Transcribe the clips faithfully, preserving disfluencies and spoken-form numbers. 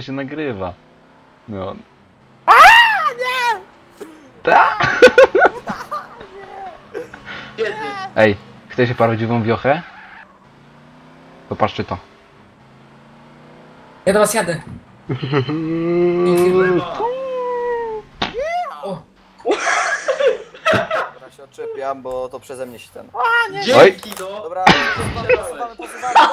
się nagrywa. No. Aaaa, nie! Tak? Kiedy? Ej, chcecie prawdziwą wiochę? Popatrzcie to. Ja do was jadę. Lewa. O, Dobra, się odczepiam, bo to przeze mnie się ten... Dzięki no. Dobra, posuwamy, posuwamy, posuwamy.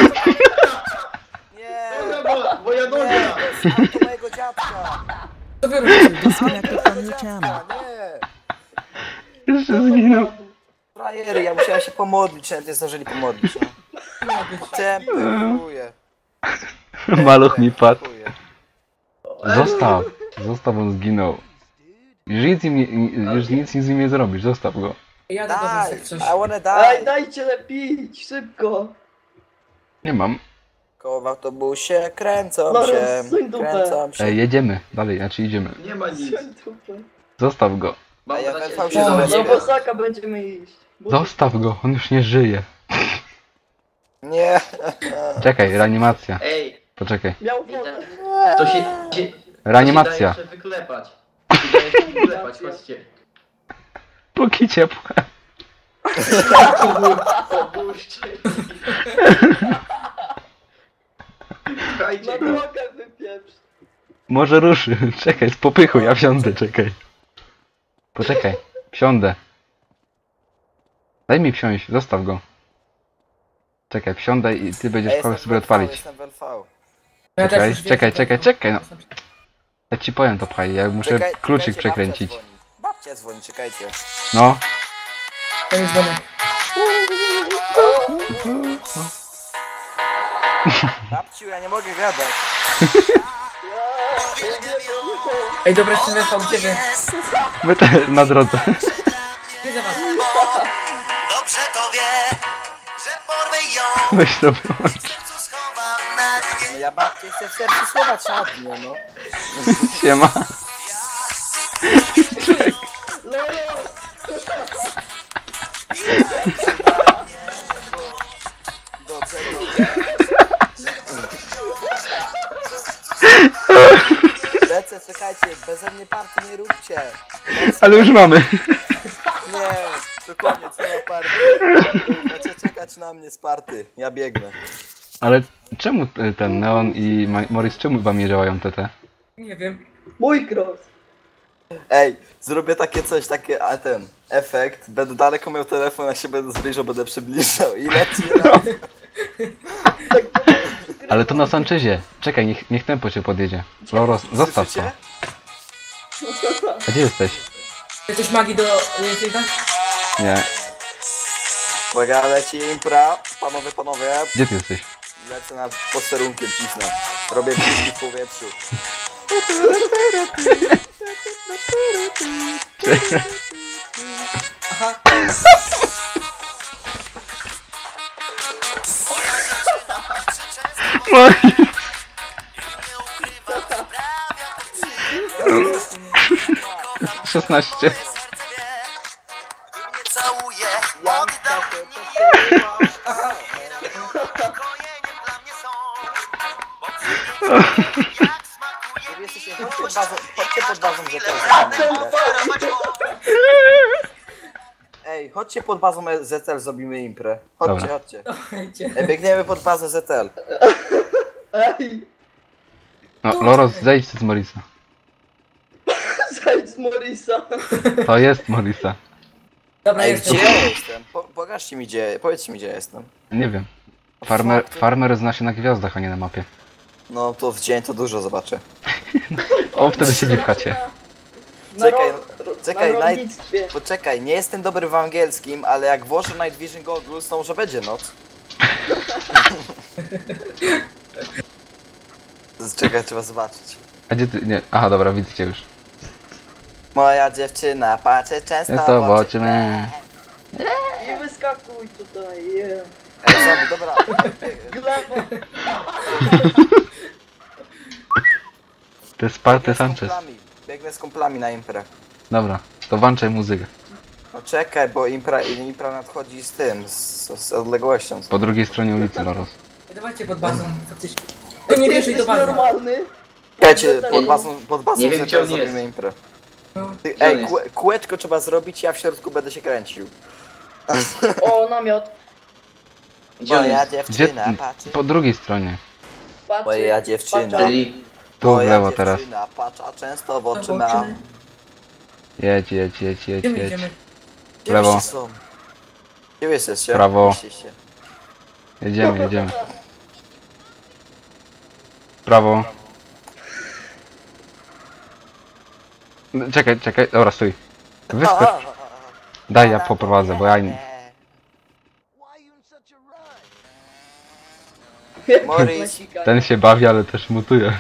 Nie! Dobra, bo, bo ja Nie, noga. to jest auto mojego dziadka! co wy robicie? Disconnected from your channel. Dziadka, nie! Jeszcze zginął. Frajery, ja musiałem się pomodlić, nawet nie zdążyli pomodlić, no. Tempę, dziękuję. Maluch mi padł. Dziękuję. Zostaw. Zostaw, on zginął. Już nic, im nie, już nic z nim nie zrobisz, zostaw go. Jadę do was jak Die! coś. I wanna Ej, die! dajcie lepić, szybko. Nie mam. Koło w autobusie kręcą No, się, suń dupę. kręcą się. Ej, jedziemy. Dalej, znaczy idziemy. Nie ma nic. Zostaw go. Mam A ja nadzieję, wezwał że się nie do ma. ciebie. Do Bosaka będziemy iść. Zostaw go, on już nie żyje. Nie! Czekaj, reanimacja. Ej, Poczekaj. miał wodę. To się... się Reanimacja. To się daje się wyklepać. To się daje się wyklepać, chodźcie. Póki ciepłe. Opuśćcie. Słuchajcie go. Drogę wypieprz. Może ruszy. Czekaj, z popychu, ja wsiądę, czekaj. Poczekaj, wsiądę. Daj mi wsiąść, zostaw go. Czekaj, wsiądę i ty będziesz Ej, chciał jestem sobie w L V, odpalić. Jestem w L V. Ja też Czekaj, już wiem, czekaj, co czekaj, to- czekaj, no. Ja ci powiem to pchaj, ja muszę Czekaj, kluczyk czekajcie, przekręcić. Babcia dzwoni. Babcia dzwoni, czekajcie. No, Ten jest dzwonek. Babciu, ja nie mogę gadać. Ej, dobra, jeszcze weszło, gdzie wy? my te na drodze. Gdzie za was? Dobrze to wie, że porwę ją, Weź to wyłącz. w sercu schowana. No ja babcię chcę w sercu słowa czadnie, no. Siema. Dobrze, Lecę, czekajcie, beze mnie party nie róbcie. Ale już mamy. Nie, to koniec, nie ma party. Macie czekać na mnie z party, ja biegnę. Ale czemu t- ten Neon i Ma- Morris, czemu wam nie działają te te? Nie wiem. Mój cross. Ej, zrobię takie coś, takie, a ten, efekt, będę daleko miał telefon, jak się będę zbliżał, będę przybliżał i leci raz. Ale to na Sanchezie. Czekaj, niech, niech tempo cię podjedzie. Loros, zostaw to. Słyszycie? A gdzie jesteś? Jesteś magii do Linfielda? Nie. Uwaga, leci impra, panowie, panowie, Gdzie ty jesteś? lecę nad posterunkiem, cisnę. Robię piski w powietrzu. Aha. szesnaście. Całuję, Ja oddał takie, mnie miłość. Ukojeniem dla mnie są. Bo przyjdzie jak smakuje Wy jesteście, miłość. chodźcie pod bazą, chodźcie pod bazą, że to Ej, chodźcie pod bazą Z T L, zrobimy imprę. Chodźcie, Dobra. chodźcie. Słuchajcie. Ej, biegniemy pod bazę Z T L. Ej, No, Loros, zejdź z Morisa. zejdź z Morisa. To jest Morisa. Dobra, Ej, jestem. gdzie ja jestem? Po, pokażcie mi gdzie, powiedzcie mi gdzie ja jestem. Nie wiem. Farmer, farmer zna się na gwiazdach, a nie na mapie. No to w dzień to dużo zobaczę. O, wtedy siedzi w chacie. Czekaj, ro- czekaj, na naj- rolnictwie. Poczekaj, nie jestem dobry w angielskim, ale jak włożę Night Vision Goggles, to może będzie noc. Czekaj, trzeba zobaczyć. A gdzie ty? Nie. Aha, dobra, widzę cię już. Moja dziewczyna patrzy często Jest w to oczy. boczne. Nie wyskakuj tutaj, yeah. Ej, zombie, dobra. Gleba. To jest Sparty Biegnę z Sanchez. kumplami, Biegnę z kumplami na imprę. Dobra, to włączaj muzykę. No czekaj, bo impra, impra nadchodzi z tym, z, z odległością. Po drugiej stronie ulicy, Loros. Dawajcie pod bazą, faktycznie. Ej, nie Ty wierzę i to jesteś bardzo. normalny? Czekajcie, pod bazą, pod bazą Nie wiem, sobie gdzie on teraz jest. zrobimy imprę. No. Ty, Gdzie on ej, jest? kół- kółeczko trzeba zrobić, ja w środku będę się kręcił. O, namiot. Gdzie on Moja jest? Gdzie? dziewczyna patrzy. Po drugiej stronie. Patrzy. Moja dziewczyna. Czyli... Tu w Moja lewo teraz. dziewczyna patrzy, a często w oczy Oczy. ma. Jedź, jedź, jedź, jedź, Gdzie my jedź. idziemy? Gdzie Lewo. wyście są? Gdzie wy jesteście? Prawo. Jesteście. Jedziemy, jedziemy. Prawo. Czekaj, czekaj, dobra, stój. Wyskocz. Daj, ja poprowadzę, bo ja... nie- Morris. Ten się bawi, ale też mutuje.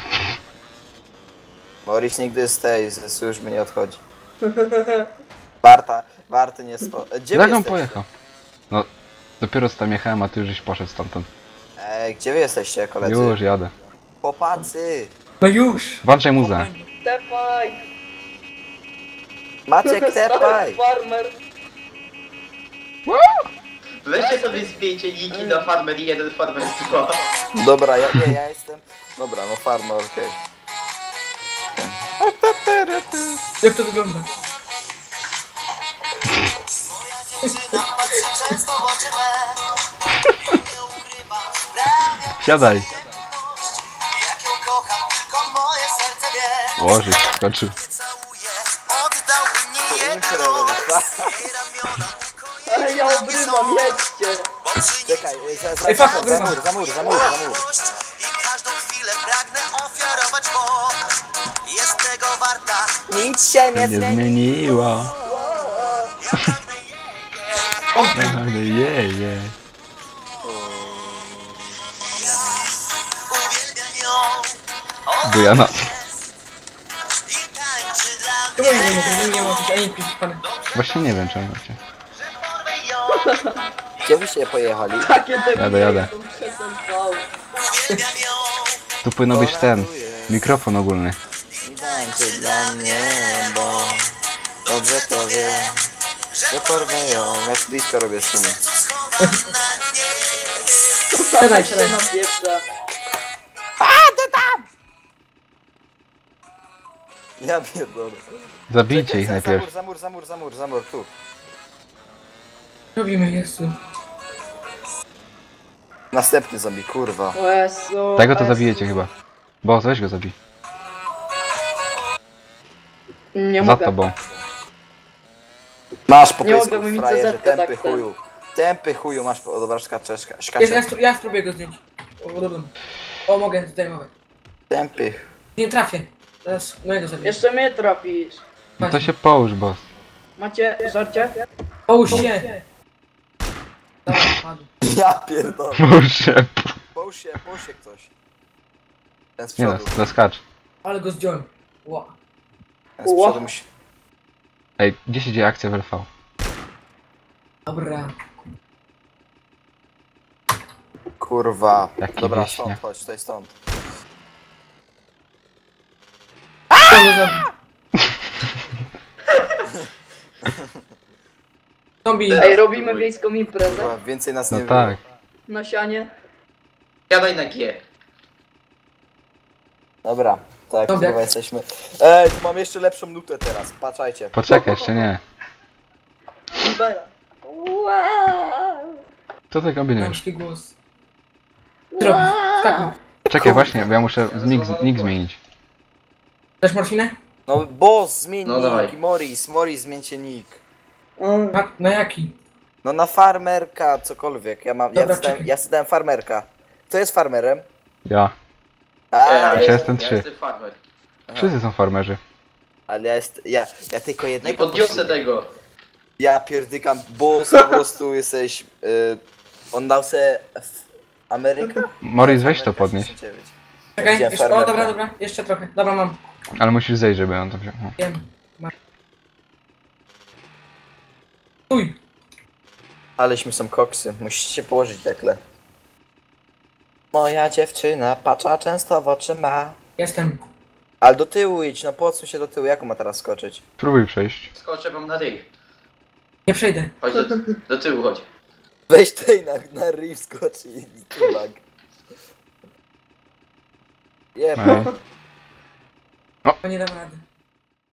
Morris nigdy z tej, ze służby nie odchodzi. Warta, warty nie spo... Gdzie wy Jak on jesteście? pojechał? No, dopiero tam jechałem, a ty już żeś poszedł stamtąd. Ej, gdzie wy jesteście, koledzy? Już jadę. Chłopacy! No już! Włączaj muzę. Tepaj. Maciek, tepaj! Farmer. Weźcie sobie zdjęcie Niki na Farmer jeden, Farmer dwa. Dobra, ja, nie, ja jestem... Dobra, no farmer, okej. Jak to wygląda? Siadaj. Jak ją kocham, tylko moje serce wie. Łożyć, skoczył. Całuje, oddałby nie jeden los. Jej ramiona Ej, ja obrywam, jedźcie. Czekaj, za, za, Ej, za, fuck, za mur, za mur, za mur, za mur. i każdą chwilę pragnę ofiarować, bo jest tego warta. Nic się nie Nie zmieni. zmieniła. Ale je, je. Uwielbiam ją Bujana. i tańczy dla Czemu mnie. nie mogę? Nie mogę, ani pić pane. Właśnie nie wiem czemu macie. Porwę ją, Gdzie byście pojechali? Takie te Jadę, jadę. są przesentowały. uwielbiam ją. Tu powinno być ten mikrofon ogólny. I tańczy dla mnie, bo dobrze to wie, że porwę ją. Ja z blisko robię szumy. Siadaj, siadaj. Na pieprze. Ja pierdolę. Zabijcie ich Za- najpierw. Za mur, za mur, za mur, za mur, tu. Robimy, Jezu. Następny zombie, kurwa. O Jezu, Tego to Jezu. zabijecie chyba. Bo weź go zabij. Nie Za mogę. tobą. Masz po Nie pysku, mogę, bo mi frajerze, cezetkę tępy tak ten. chuju. Tępy chuju, masz, o dobra, szkaczeszka, Ja, ja, szkaczeszka. spró- ja spróbuję go zdjąć. O, dobra. O, mogę, tutaj mogę. Tępy. Nie trafię. Teraz mojego zabiję. Jeszcze mnie trafisz. No to się połóż, boss. Macie żarcie? Połóż się! Dobra, padł. Ja pierdolę. Połóż się. Połóż się, połóż się ktoś. Ten z Nie no, przodu. no skacz. Ale go zdjąłem. Ła. Ten z przodu musi... Ej, gdzie się dzieje akcja w L V? Dobra. Kurwa. Jaki Dobra, wieśniak. stąd, chodź, tutaj stąd. Kto go zabił? Zombie. Ej, robimy wiejską imprezę. Kurwa, więcej nas No nie tak. Na sianie. Siadaj na G. Dobra, tak, Dobra. chyba jesteśmy. Ej, tu mam jeszcze lepszą nutę teraz, patrzajcie. Poczekaj, jeszcze nie. Libera. Wow. Co ty kombinujesz? Damski głos. Co robisz? Skakuj. Czekaj, właśnie, bo ja muszę nick, nick zmienić. Dasz morfinę? No boss, zmień No nick, dawaj. Morris, Morris, zmieńcie nick. Mm. Na, na jaki? No na farmerka, cokolwiek, ja mam, ja Dobra, wstałem, czekaj. ja wstałem farmerka. Kto jest farmerem? Ja. A, ja, Ja jestem trzy. Ja jestem Farmer. Wszyscy są farmerzy. ale ja jest, ja, ja tylko Nie jednego podniosę poszukuję. tego. Ja pierdykam, boss, po prostu jesteś, y, on dał se w Amerykę? Morris, weź to podnieś. sześćdziesiąt dziewięć. Czekaj, Gdzie jeszcze, o farmerka? dobra, dobra, jeszcze trochę. Dobra, mam. Ale musisz zejść, żeby on to wziął. O. Wiem. Masz. Stój. Aleśmy są koksy, musicie się położyć dekle. Moja dziewczyna patrza często w oczy ma. Jestem. Ale do tyłu idź, no podsuń się do tyłu, jak on ma teraz skoczyć? Spróbuj przejść. Skoczę wam na ryj. Nie przejdę. Chodź do, do tyłu, chodź. Weź tej na, na ryj skocz i tubak. Jeb. Ej. O, nie dam rady.